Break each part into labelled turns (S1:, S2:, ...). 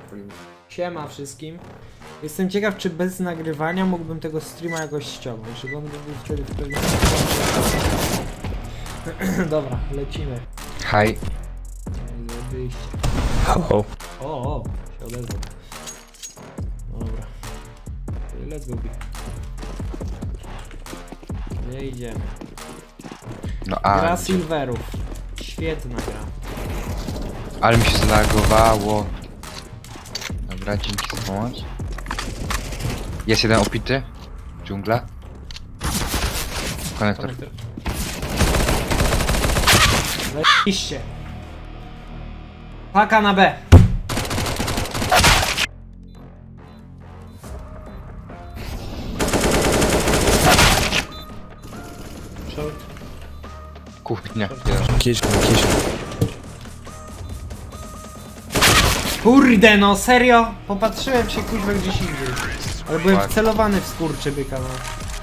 S1: Siema wszystkim. Jestem ciekaw, czy bez nagrywania mógłbym tego streama jakoś ściągnąć, żeby on był wtedy w pewnym... Dobra, lecimy.
S2: Hi.
S1: Wyjście.
S2: Hello.
S1: O, się odezwał. Dobra. Let's go. Nie idziemy.
S2: No
S1: Gra
S2: a...
S1: Silverów. Świetna gra.
S2: Ale mi się zlagowało. Dobra, dzięki za pomoc. Jest jeden opity. Dżungla. Konektor.
S1: Zajebiście. Paka na B. Short.
S2: Kuchnia.
S1: Kurde no, serio? Popatrzyłem się kuźwa gdzieś indziej. Ale byłem wcelowany w skurczybyka, no.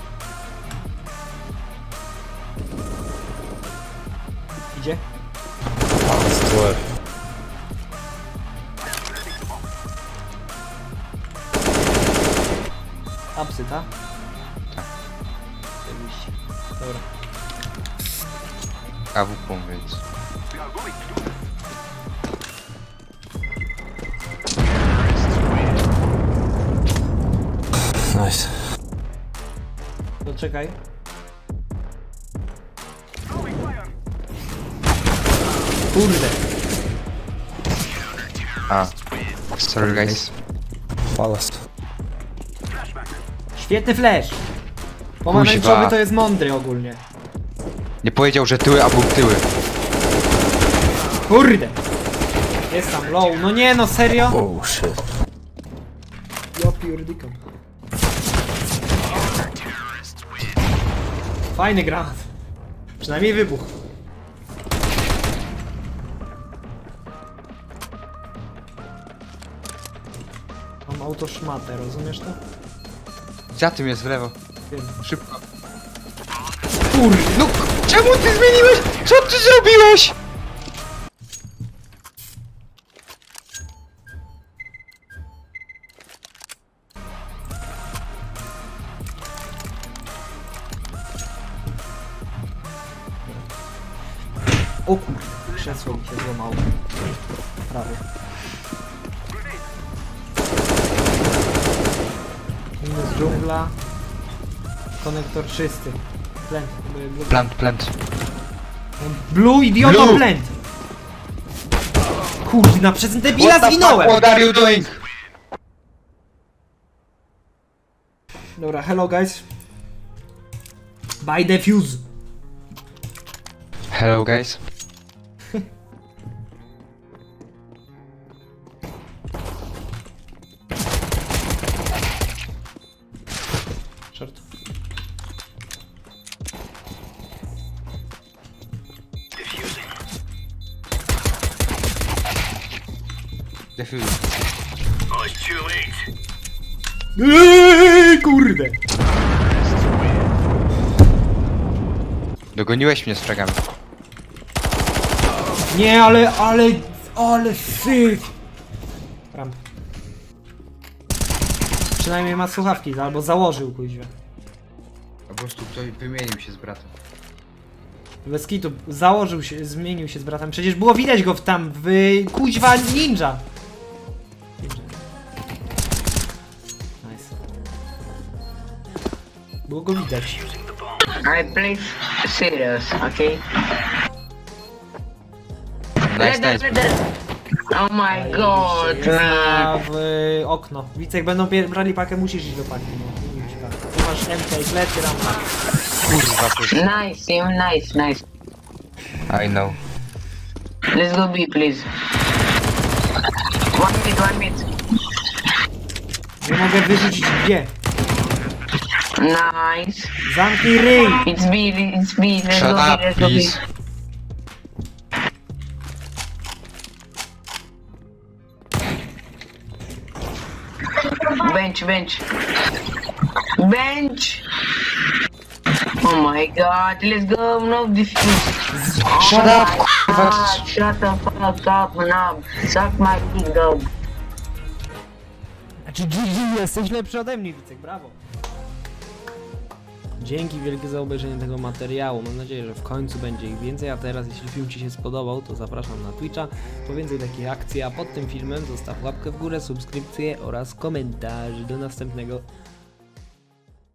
S1: Idzie? Apsy, ta?
S2: Tak.
S1: Oczywiście. Dobra.
S2: AWP, więc...
S3: Nice.
S1: To czekaj. Kurde.
S2: A. Sorry guys.
S3: Ballast.
S1: Świetny flash. Pomarańczowy
S2: Kuźwa.
S1: to jest mądry ogólnie.
S2: Nie powiedział, że tyły, a był tyły.
S1: Kurde. Jest tam low. No nie no, serio?
S3: Oh shit.
S1: Ja pierdykam. Fajny granat. Przynajmniej wybuch. Mam autoszmatę, rozumiesz to?
S2: Za tym jest w lewo.
S1: Wiem.
S2: Szybko.
S1: Kurde.
S2: No, czemu ty zmieniłeś? Co ty zrobiłeś?
S1: O kurde. Krzesło mi się złamało. Prawie. Minus dżungla. Konektor czysty. Plant.
S2: Plant.
S1: Blue idiota
S2: Blue.
S1: plant! Kurna, przez debila zwinąłem!
S2: What are you doing?
S1: Dobra, hello guys. Buy the fuse.
S2: Hello guys.
S1: Short.
S2: Defuse.
S1: Kurde!
S2: Dogoniłeś mnie z fragami.
S1: Nie, ale syf! Ramp. Przynajmniej ma słuchawki, albo założył kuźwa.
S2: Po prostu ktoś wymienił się z bratem.
S1: Bez kitu, założył się, zmienił się z bratem. Przecież było widać go w kuźwa ninja. Nice. Było go widać.
S4: I play serious, okay?
S2: Nice.
S4: Oh my god,
S1: Jest
S4: man.
S1: w okno. Widzę, jak będą brali pakę, musisz iść do paki. No, nie idź tak. Tu masz MK, plecy, rampa.
S2: Kurwa, to
S4: Nice, team, nice.
S2: I know.
S4: Let's go B, please. One mid.
S1: Nie mogę wyrzucić gdzie.
S4: Nice.
S1: Zamknij ryj!
S4: It's B, let's
S2: Shut
S4: go
S2: up,
S4: B, let's go B.
S2: please.
S4: Bench. Oh my god, let's go, no defuse.
S2: Shut up,
S4: Shut the fuck up, knob. Suck my dick, dog.
S1: Znaczy GG, jesteś lepszy ode mnie, Wicek, brawo. Dzięki wielkie za obejrzenie tego materiału. Mam nadzieję, że w końcu będzie ich więcej, a teraz jeśli film Ci się spodobał, to zapraszam na Twitcha po więcej takich akcji, a pod tym filmem zostaw łapkę w górę, subskrypcję oraz komentarz. Do następnego.